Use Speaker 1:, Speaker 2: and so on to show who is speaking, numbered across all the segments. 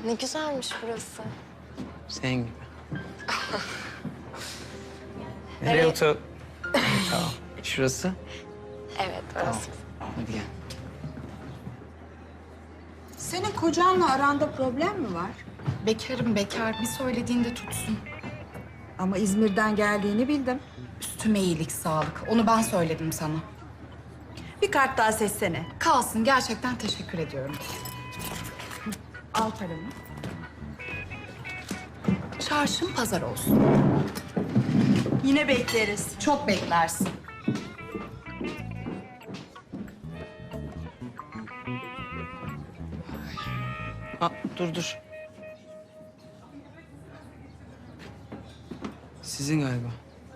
Speaker 1: Ne güzelmiş burası.
Speaker 2: Senin gibi. Nereye otur? Tamam. Şurası.
Speaker 1: Evet, burası.
Speaker 2: Hadi gel.
Speaker 3: Senin kocanla aranda problem mi var?
Speaker 4: Bekarım bekar. Bir söylediğinde tutsun.
Speaker 3: Ama İzmir'den geldiğini bildim.
Speaker 4: Üstüme iyilik sağlık. Onu ben söyledim sana.
Speaker 3: Bir kart daha seçsene.
Speaker 4: Kalsın. Gerçekten teşekkür ediyorum.
Speaker 3: Al paranı.
Speaker 4: Çarşın pazar olsun.
Speaker 3: Yine bekleriz.
Speaker 4: Çok beklersin.
Speaker 2: Aa, dur. Sizin galiba.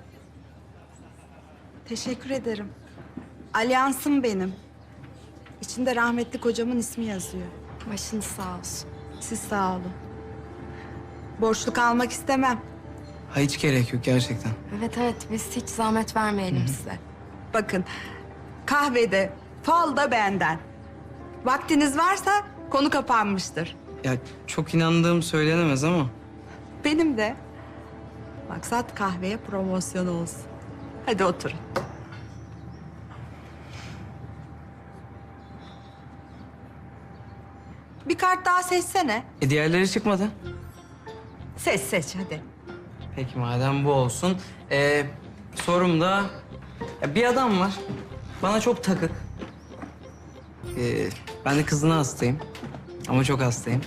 Speaker 3: Teşekkür ederim. Alyansım benim. İçinde rahmetli kocamın ismi yazıyor.
Speaker 1: Başınız sağ olsun.
Speaker 3: Siz sağ olun. Borçlu kalmak istemem.
Speaker 2: Ha, hiç gerek yok gerçekten.
Speaker 1: Evet, biz hiç zahmet vermeyelim size.
Speaker 3: Bakın, kahvede, fal da benden. Vaktiniz varsa konu kapanmıştır.
Speaker 2: Ya çok inandığım söylenemez ama.
Speaker 3: Benim de. Maksat kahveye promosyon olsun. Hadi oturun. Bir kart daha seçsene.
Speaker 2: Diğerleri çıkmadı.
Speaker 3: Seç hadi.
Speaker 2: Peki madem bu olsun. Sorum da... Ya bir adam var. Bana çok takık. Ben de kızına hastayım. Ama çok hastayım.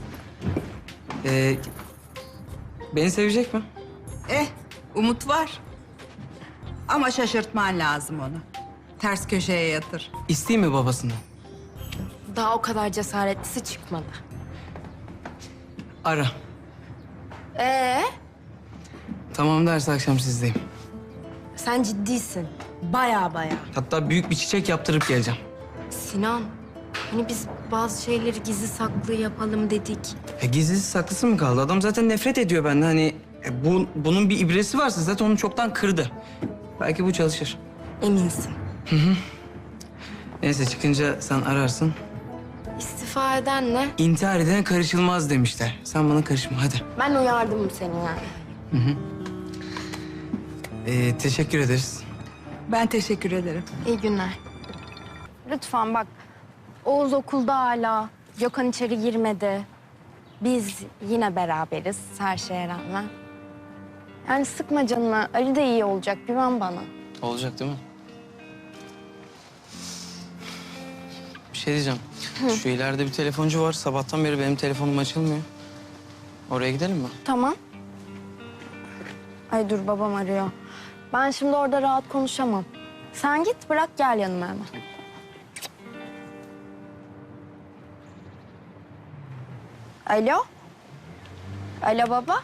Speaker 2: Beni sevecek mi?
Speaker 3: Umut var. Ama şaşırtman lazım onu. Ters köşeye yatır.
Speaker 2: İsteyeyim mi babasından?
Speaker 1: Daha o kadar cesaretlisi çıkmadı.
Speaker 2: Ara. Tamam derse akşam sizdeyim.
Speaker 1: Sen ciddisin. Baya.
Speaker 2: Hatta büyük bir çiçek yaptırıp geleceğim.
Speaker 1: Sinan, hani biz bazı şeyleri gizli saklı yapalım dedik.
Speaker 2: Gizlisi saklısı mı kaldı? Adam zaten nefret ediyor benden. Hani bunun bir ibresi varsa zaten onu çoktan kırdı. Belki bu çalışır.
Speaker 1: Eminsin.
Speaker 2: Neyse çıkınca sen ararsın.
Speaker 1: İstifa edenle
Speaker 2: İntihar edene karışılmaz demişler. Sen bana karışma hadi.
Speaker 1: ben uyardım seni yani.
Speaker 2: Teşekkür ederiz.
Speaker 3: Ben teşekkür ederim.
Speaker 1: İyi günler. Lütfen bak, Oğuz okulda hala. Gökhan içeri girmedi. Biz yine beraberiz her şeye rağmen. Yani sıkma canını. Ali de iyi olacak. Güven bana.
Speaker 2: Olacak değil mi? Bir şey diyeceğim. Şu ileride bir telefoncu var. Sabahtan beri benim telefonum açılmıyor. Oraya gidelim mi?
Speaker 1: Tamam. Ay dur, babam arıyor. Ben şimdi orada rahat konuşamam. Sen git, bırak gel yanıma hemen. Alo? Alo baba?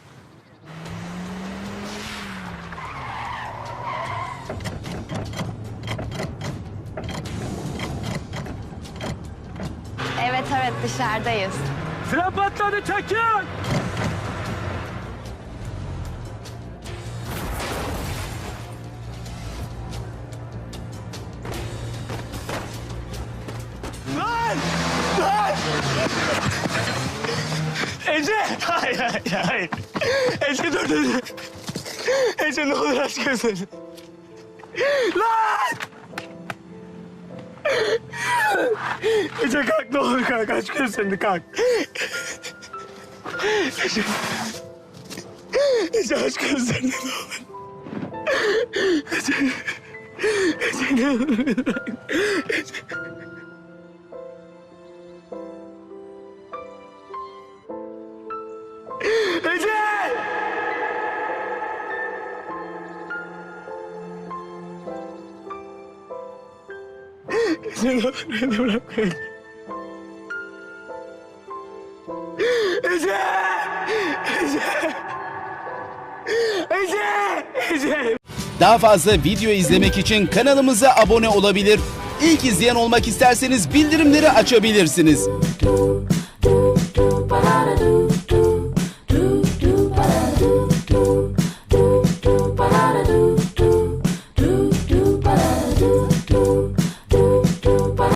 Speaker 1: Evet dışarıdayız.
Speaker 5: Tren patladı, çekin! Lan! Ece! Hayır. Ece dur. Ece ne olur aç gözlerini. Lan! Ece kalk, ne olur kalk, aç gözlerini kalk. Ece aç gözlerini ne olur. Ece ne olur bırak. Ece! Ece ne olur beni bırakma. Ece!
Speaker 6: Daha fazla video izlemek için kanalımıza abone olabilir. İlk izleyen olmak isterseniz bildirimleri açabilirsiniz.
Speaker 7: Do, do, do, ba, da, do.